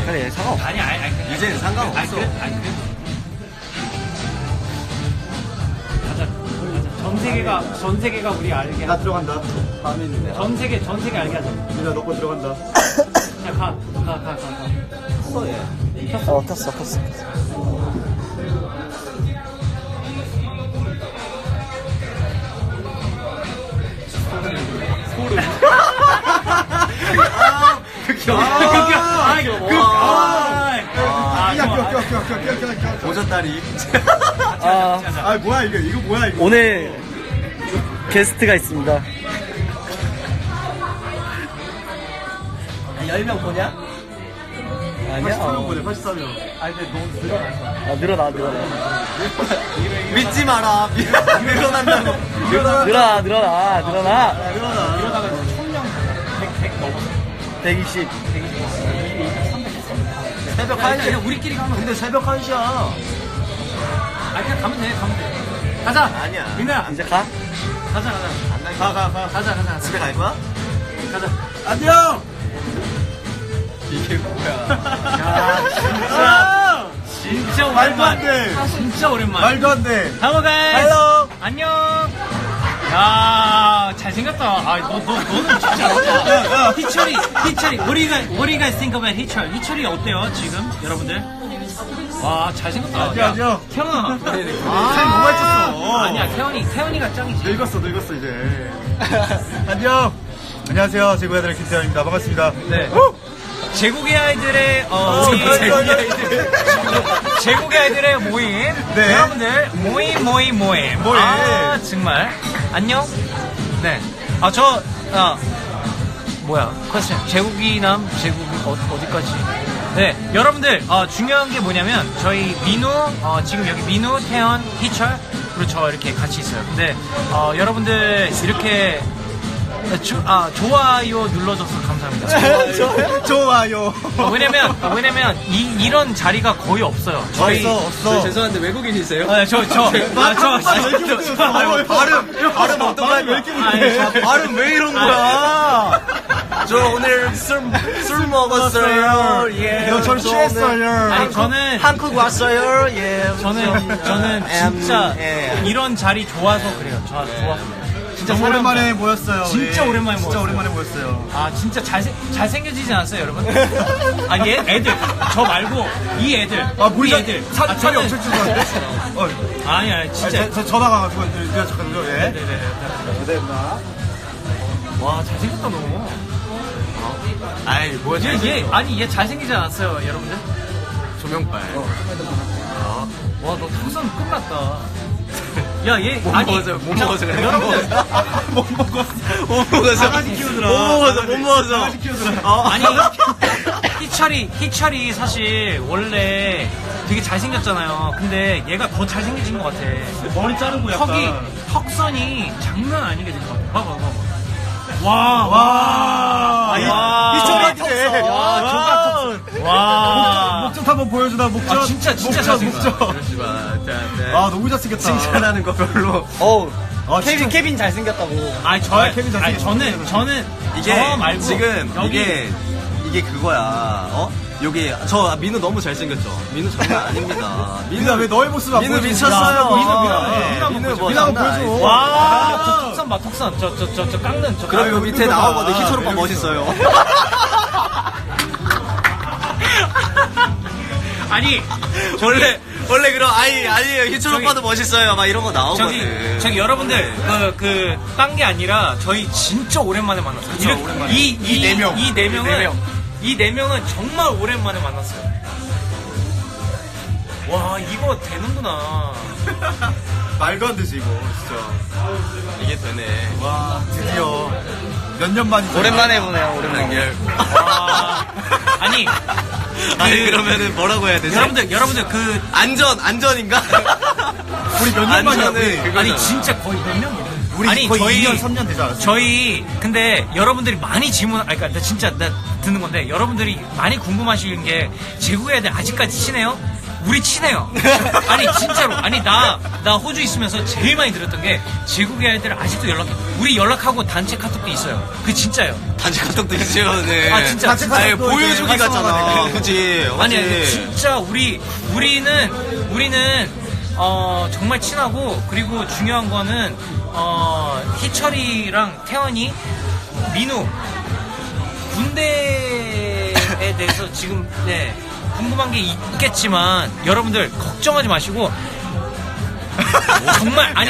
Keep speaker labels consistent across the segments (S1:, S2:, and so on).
S1: 그래 상관없어.
S2: 아니
S3: 이제는 상관없어.
S2: 아니 그래. 가자. 전 세계가 우리 알게.
S4: 나 들어간다.
S2: 전 세계 알게 하자.
S4: 민아 너거 들어간다.
S2: 야 가.
S3: 컸어 얘.
S1: 켰어.
S3: 오졌다리.
S4: 아 뭐야 이거 뭐야 이거.
S1: 오늘 게스트가 있습니다.
S3: 10명 보냐?
S1: 아니야.
S4: 83명 보내 83명.
S2: 아니 근데 너무 늘어났어.
S1: 늘어나.
S3: 믿지 마라. 늘어난다고.
S1: 늘어나.
S2: 이러다가 1000명 100 넘었어.
S1: 120.
S3: 새벽 1시. 그냥 우리끼리 가면 근데 새벽 1시야.
S2: 아니 그냥 가면 돼. 가자.
S3: 아니야.
S2: 민아
S1: 이제 가?
S2: 가자.
S3: 가자. 집에 갈 거야?
S2: 가자.
S4: 안녕.
S3: 이게 뭐야?
S2: 야 진짜
S4: 말도 안
S2: 오랜만.
S4: 돼.
S2: 진짜 오랜만.
S4: 말도 안 돼.
S2: Hello guys.
S4: Hello.
S2: 안녕. 야 잘생겼다. 너는 진짜. 희철이. What do you guys think about 희철? 희철이 어때요 지금 여러분들? 와 잘생겼다.
S4: 안녕.
S2: 태연아.
S4: 살 너무 많이
S2: 아니야 태연이가 짱이지.
S4: 늙었어 이제. 안녕. 안녕하세요. 제구 아들 김태현입니다. 반갑습니다.
S2: 네. 제국의 아이들의 제국의 아이들의 모임.
S4: 네.
S2: 여러분들 모임. 아 정말 안녕. 네. 뭐야 퀘스천 제국이 어디까지? 네 여러분들 중요한 게 뭐냐면 저희 민우 지금 여기 민우 태연 희철 그리고 저 이렇게 같이 있어요. 근데 여러분들 이렇게 좋아요 눌러줘서 감사합니다.
S4: 좋아요.
S2: 왜냐면 이런 자리가 거의 없어요. 저희
S4: 없어.
S3: 죄송한데 외국인이세요?
S4: 발음 어떤 말 왜 이렇게 못해?
S3: 발음 왜 이런 거야? 저 오늘 술 먹었어요. 예.
S4: 저 취했어요.
S2: 아니 저는
S3: 한국 왔어요. 예.
S2: 저는 진짜
S3: 예.
S2: 이런 자리 좋아서 그래요. 좋아서. 진짜
S4: 너무 오랜만에 모였어요.
S2: 진짜
S4: 우리.
S2: 오랜만에
S4: 진짜
S2: 모였어요.
S4: 오랜만에 모였어요.
S2: 아 진짜 잘생겨지지 않았어요 여러분? 얘 애들 저 말고 이 애들 우리 애들
S4: 살이 엄청 찌는데?
S2: 아니야 진짜
S4: 저 전화가 가지고 내가 잠깐만요. 예.
S2: 네네네 와 잘생겼다 너.
S3: 아이 뭐야?
S2: 얘 잘생기지 않았어요 여러분들?
S3: 조명빨.
S2: 와 너 턱선 끝났다. 야, 얘,
S3: 못 먹어서 그래.
S2: 여러분들.
S3: 못 먹어서.
S4: 강아지 키우느라.
S3: 못 먹어서.
S4: 강아지 키우느라.
S2: 아니, 희철이 사실 원래 되게 잘생겼잖아요. 근데 얘가 더 잘생겨진 것 같아.
S4: 머리 자르고 약간.
S2: 턱선이 장난 아니게 된 것 같아. 봐봐.
S4: 희철이 턱선.
S2: 와.
S4: 목젖 한번 보여주나 목젖.
S2: 진짜 잘생겼어.
S4: 너무 잘생겼다.
S3: 칭찬하는 거 별로.
S1: 케빈 잘생겼다고.
S4: 케빈 잘생겼다.
S2: 저는
S3: 이게
S2: 저 말고
S3: 지금
S2: 여기
S3: 이게 그거야. 여기 저 민우 너무 잘생겼죠. 민우 장난 아닙니다.
S4: 민아 왜 너의 모습 안
S3: 민우
S4: 보여줘?
S3: 미쳤어요.
S2: 민우
S3: 뭐
S4: 민아 한번
S3: 장난
S4: 보여줘.
S3: 아니지.
S2: 와, 저 턱선 봐, 턱선. 저 깎는 저.
S3: 그럼 요 밑에 나오거든. 희철 오빠
S4: 여기
S3: 멋있어요.
S2: 아니,
S3: 원래 그럼 아니에요. 희철 오빠도 멋있어요. 막 이런 거 나오거든.
S2: 저기 여러분들 딴 게 아니라 저희 진짜 오랜만에 만났어요.
S3: 그쵸, 오랜만에.
S2: 이
S4: 네 명.
S2: 이 네 명은 정말 오랜만에 만났어요. 와, 이거 되는구나.
S4: 말도 안 되지 이거 진짜.
S3: 이게 되네.
S4: 와 드디어 몇 년 만이죠.
S1: 오랜만에 보네요. 오랜만에.
S2: 와, 아니
S3: 그러면은 뭐라고 해야 되지?
S2: 여러분들
S3: 안전인가?
S4: 우리 몇 년 만이라고.
S2: 아니 진짜 거의 몇 명?
S4: 우리
S2: 아니
S4: 거의
S2: 저희
S4: 2년 3년 되지 않았어요?
S2: 저희 근데 여러분들이 많이 그러니까 나 듣는 건데 여러분들이 많이 궁금하시는 게 제국의 애들 아직까지 친해요? 우리 친해요. 아니 진짜로. 아니 나 호주 있으면서 제일 많이 들었던 게 제국의 아이들 아직도 연락해. 우리 연락하고 단체 카톡도 있어요. 그 진짜요.
S3: 단체 카톡도 있어요. 네.
S2: 아 진짜.
S4: 단체
S2: 진짜.
S3: 아니, 보여주기
S4: 이제
S3: 같잖아.
S4: 활성화가
S3: 그지?
S2: 아니 진짜 우리는 정말 친하고 그리고 중요한 거는 희철이랑 태연이 민우 군대에 대해서 지금 네 궁금한 게 있겠지만 여러분들 걱정하지 마시고 정말 아니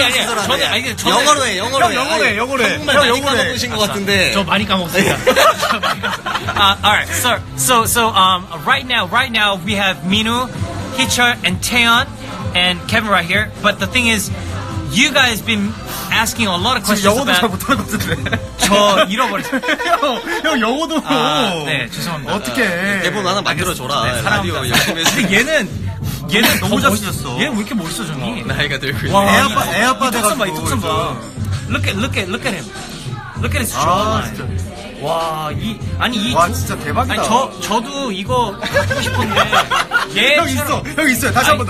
S2: 저는
S3: 영어로 해.
S4: 형 영어로 해.
S3: 한국말
S4: 형
S3: 많이
S4: 영어로 해.
S3: 까먹으신 것 같은데.
S2: 저 많이 까먹었습니다. Alright, so right now we have Minu, Hichar, and Taeyeon, and Kevin right here. But the thing is, you guys been asking a lot of
S4: 지금
S2: questions
S4: 영어도 잘
S2: about.
S4: 못하는 것 같은데.
S2: 저 잃어버렸어요.
S4: 형 영어도.
S2: 네, 죄송합니다.
S4: 어떻게?
S3: 대본 하나 만들어줘라.
S2: 네,
S3: 라디오
S2: 사랑합니다.
S3: 열심히 해서.
S2: 근데 얘는
S4: 너무
S2: 더
S4: 잘생겼어.
S2: 얘는 왜 이렇게 멋있어, 정이?
S3: 나이가 들고
S2: 와,
S3: 있네.
S4: 애 아빠
S2: 이 턱선 봐, 이
S4: 돼가지고
S2: 턱선 봐. Look at him. Look at his jawline. 와,
S4: 와, 진짜 대박이다.
S2: 아니, 저도 이거 갖고 싶은데,
S4: 형 있어, 형 있어요. 다시 한 번 더.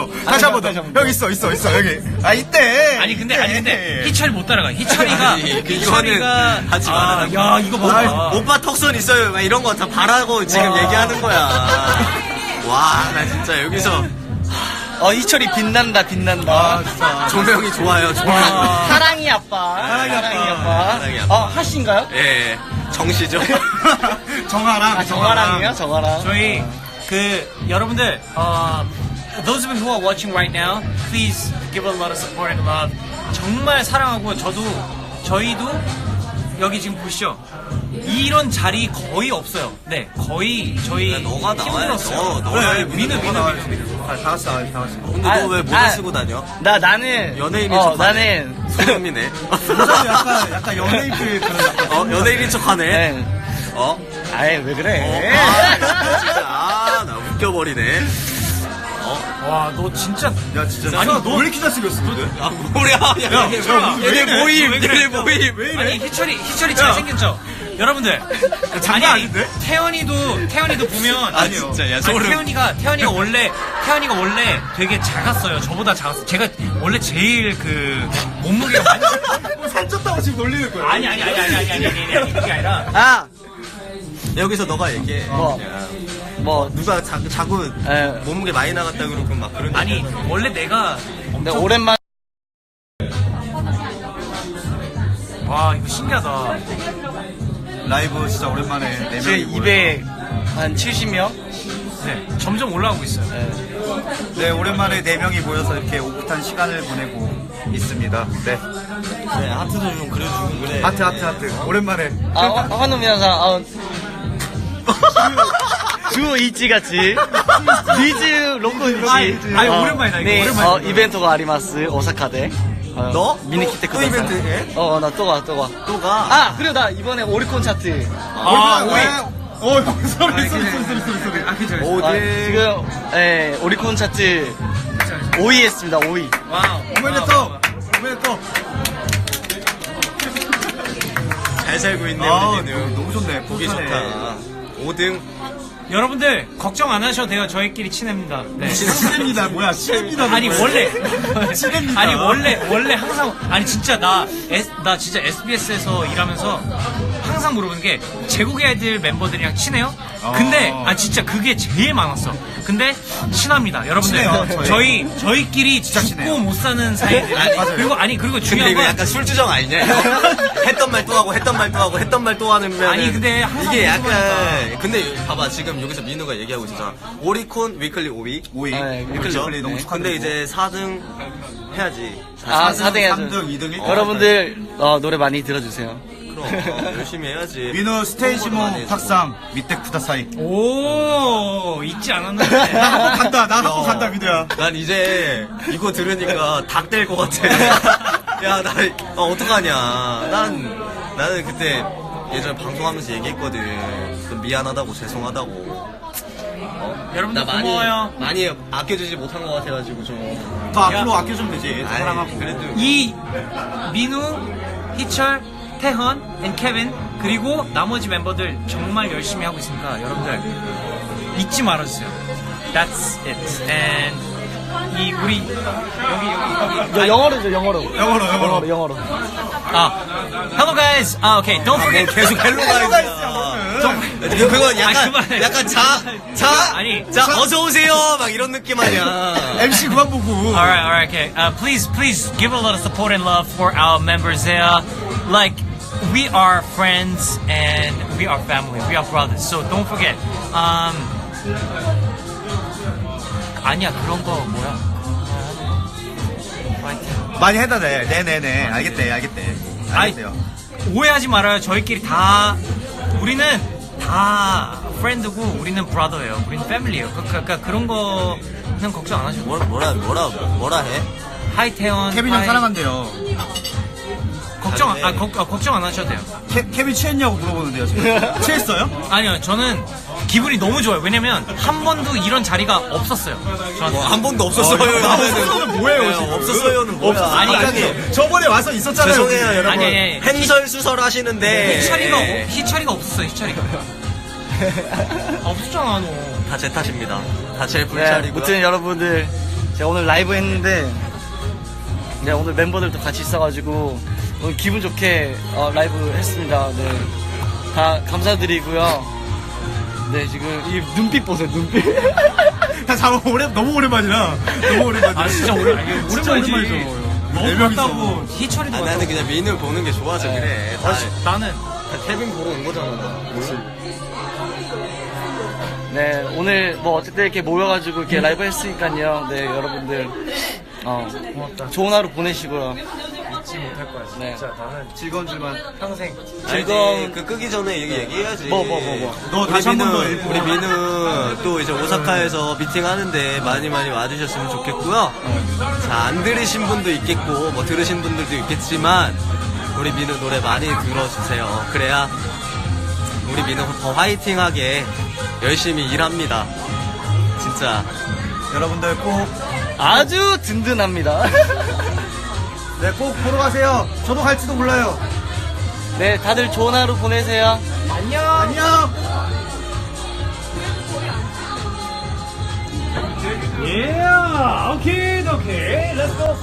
S4: 형 있어, 여기. 아, 이때.
S2: 아니, 근데, 희철이 못 따라가. 희철이가,
S3: 이거는 하지 마라.
S2: 야, 이거 봐.
S3: 오빠 턱선 있어요. 막 이런 거 다 바라고 지금 얘기하는 거야. 와, 나 진짜 여기서
S1: 희철이 빛난다.
S4: 아, 진짜.
S3: 조명이 좋아요. 조명.
S1: 사랑이 아빠.
S3: 사랑이 아빠.
S1: 하신가요?
S3: 예, 정씨죠.
S4: 정아랑.
S1: 정아랑이요? 정아랑.
S2: 저희, 여러분들, those of you who are watching right now, please give a lot of support and love. 정말 사랑하고, 저희도, 여기 지금 보시죠. 이런 자리 거의 없어요. 네, 거의 저희
S3: 야, 너가 나와야
S2: 힘들었어요.
S3: 너
S2: 그래,
S3: 민우.
S2: 민우.
S4: 다 같이 나와.
S3: 근데 너 왜 모자 쓰고 다녀?
S1: 나는.
S3: 연예인인 척하네.
S1: 나는.
S3: 소름이네.
S4: 약간 연예인 필 그런.
S3: 연예인인 척하네.
S1: 네. 아이, 왜 그래?
S3: 나 웃겨버리네.
S2: 와, 너 진짜.
S4: 야, 진짜.
S2: 아니,
S4: 너 왜 이렇게 잘생겼어, 근데?
S3: 아, 뭐야. 얘네 모임. 얘네 모임.
S4: 왜 이래?
S2: 아니, 희철이 잘생겼죠? 여러분들.
S4: 장난 아닌데?
S2: 태연이도 보면.
S3: 아, 진짜, 야, 소름.
S2: 태연이가 원래 되게 작았어요. 저보다 작았어요. 제가 원래 제일 몸무게가 많이.
S4: 살쪘다고 지금 놀리는 거야.
S2: 아니, 그게 아니라.
S3: 여기서 너가 얘기해.
S1: 뭐,
S3: 누가 자꾸 몸무게 많이 나갔다 그러고 막 그런.
S2: 아니, 원래 내가.
S1: 근데 오랜만에.
S2: 와, 이거 신기하다.
S4: 라이브 진짜 오랜만에 4명이
S1: 지금 270명?
S2: 네, 점점 올라가고 있어요.
S4: 네, 오랜만에 4명이 모여서 이렇게 오붓한 시간을 보내고 있습니다. 네.
S3: 네, 하트도 좀 그려주고 그래.
S4: 하트. 오랜만에.
S1: 환우 미나상, 주 이치같이 리즈 로코 이치.
S2: 아니, 오랜만이다, 이거.
S1: 네,
S2: 오랜만이다.
S1: 이벤트가 아리마스 오사카데.
S3: 너?
S1: 미니키테
S3: 또 이벤트 해?
S1: 나 또 가.
S3: 또 가?
S1: 그리고 나 이번에 오리콘 차트.
S4: 형, 소리.
S1: 지금, 오리콘 차트 5위 했습니다, 5위.
S2: 와우.
S4: 오메데토.
S3: 잘 살고 있네,
S4: 아,
S3: 우리는.
S4: 너무 좋네.
S3: 보기
S4: 뿌듯하네.
S3: 좋다. 5등.
S2: 여러분들, 걱정 안 하셔도 돼요. 저희끼리 친합니다. 네.
S4: 친합니다. 뭐야, 친합니다.
S2: 아니 원래
S4: 친합니다.
S2: 아니 원래 항상 아니 진짜 나 진짜 SBS에서 일하면서 항상 물어보는 게 제국의 아이들 멤버들이랑 친해요? 근데 진짜 그게 제일 많았어. 근데 친합니다, 여러분들.
S4: 친해요,
S2: 저희끼리
S4: 진짜
S2: 죽고
S4: 친해요.
S2: 못 사는 사이들.
S4: 맞아요.
S2: 그리고
S3: 근데
S2: 중요한
S3: 이거
S2: 건
S3: 약간 술주정 아니냐? 했던 말 또 하고, 했던 말 또 하는 면.
S2: 아니, 근데 항상
S3: 이게
S2: 무슨
S3: 약간. 근데 봐봐, 지금 여기서 민우가 얘기하고 있잖아. 오리콘 위클리 5위.
S4: 5위.
S1: 네,
S3: 그렇죠?
S4: 위클리 너무
S1: 네.
S4: 축하드리고.
S3: 근데 이제 4등 해야지.
S1: 4등 해야죠.
S4: 3등, 2등, 1등.
S1: 여러분들, 노래 많이 들어주세요.
S3: 그럼 열심히 해야지.
S4: 민우 스테이지모 탁상 밑에 쿠다사이.
S2: 오 잊지 않았는데.
S4: 나 한번 간다, 민우야.
S3: 난 이제 이거 들으니까 닭 될 것 같아. 야, 나 어떡하냐. 나는 그때 예전에 방송하면서 얘기했거든. 좀 미안하다고, 죄송하다고.
S2: 여러분들
S3: 나
S2: 고마워요.
S3: 많이 아껴주지 못한 것 같아가지고 좀.
S4: 더 앞으로 아껴주면 되지. 사랑하고.
S3: 그래도.
S2: 이 민우, 희철, 태헌, and 케빈 그리고 나머지 멤버들 정말 열심히 하고 있으니까 여러분들 잊지 말아주세요. That's it. And 이 우리 여기
S1: 영어로죠, 영어로.
S4: 영어로.
S2: Hello guys. Okay, don't forget.
S3: 계속 헬로가 있어. 그건 약간
S2: 그만해.
S3: 약간
S2: 아니.
S3: 자 어서 오세요 막 이런 느낌 아니야.
S4: MC 그만 보고.
S2: Alright, okay. Please give a lot of support and love for our members there. Like, we are friends and we are family. We are brothers. So don't forget. 아니야, 그런 거 뭐야? 파이팅.
S4: 많이 해다 돼. 네네네. 알겠대. 알겠어요.
S2: 오해하지 말아요. 저희끼리 다 우리는 다 프렌드고 우리는 브라더예요. 우리는 패밀리예요. 그러니까 그런 거는 걱정 안 하셔도 돼요.
S3: 뭐라 해?
S2: 하이 태원.
S4: 케빈 형
S2: 하이.
S4: 사랑한대요.
S2: 걱정 안 하셔도 돼요.
S4: 케빈 취했냐고 물어보는데요, 지금. 취했어요?
S2: 아니요, 저는 기분이 너무 좋아요. 왜냐면 한 번도 이런 자리가 없었어요. 저한테.
S3: 한 번도 없었어요.
S4: 없었어요는 뭐예요, 지금?
S3: 없었어요는 뭐야?
S2: 아니,
S3: 갑자기.
S4: 저번에 와서 있었잖아요.
S3: 죄송해요, 여러분.
S2: 아니.
S3: 횡설수설 하시는데.
S2: 희철이가 없었어요, 희철이가. 없었잖아, 너.
S3: 다 제 탓입니다. 다 제
S1: 네,
S3: 불찰이고요.
S1: 아무튼 여러분들, 제가 오늘 라이브 했는데, 네, 오늘 멤버들도 같이 있어가지고, 오늘 기분 좋게 라이브 했습니다. 네. 다 감사드리고요. 네, 지금 이 눈빛 보세요, 눈빛.
S4: 너무 오랜만이라. 너무 오랜만이라.
S2: 아, 진짜
S4: 진짜
S2: 오랜만이지.
S4: 오랜만이죠.
S2: 너무
S4: 네 명이서.
S2: 같다고. 희철이도
S3: 아,
S2: 같다고.
S3: 나는 그냥 민우를 보는 게 좋아서 그래.
S2: 나는.
S3: 케빈 보러 온 거잖아.
S1: 네, 오늘 뭐 어쨌든 이렇게 모여가지고 이렇게 라이브 했으니까요. 네, 여러분들,
S2: 고맙다.
S1: 좋은 하루 보내시고요.
S2: 잊지 못할 거야.
S1: 네.
S2: 진짜 나는
S4: 즐거운 줄만.
S2: 평생.
S3: 즐거운 그 끄기 전에 얘기해야지.
S1: 뭐.
S4: 너
S3: 우리
S4: 다시 한 번 더
S3: 민우,
S4: 일부.
S3: 우리 민우 또 이제 오사카에서 미팅 하는데 많이 와주셨으면 좋겠고요. 자, 안 들으신 분도 있겠고, 뭐 들으신 분들도 있겠지만, 우리 민우 노래 많이 들어주세요. 그래야 우리 민우 더 화이팅하게 열심히 일합니다. 진짜.
S4: 여러분들 꼭,
S1: 아주 든든합니다.
S4: 네, 꼭 보러 가세요. 저도 갈지도 몰라요.
S1: 네, 다들 좋은 하루 보내세요.
S4: 안녕!
S2: Yeah, okay, let's go.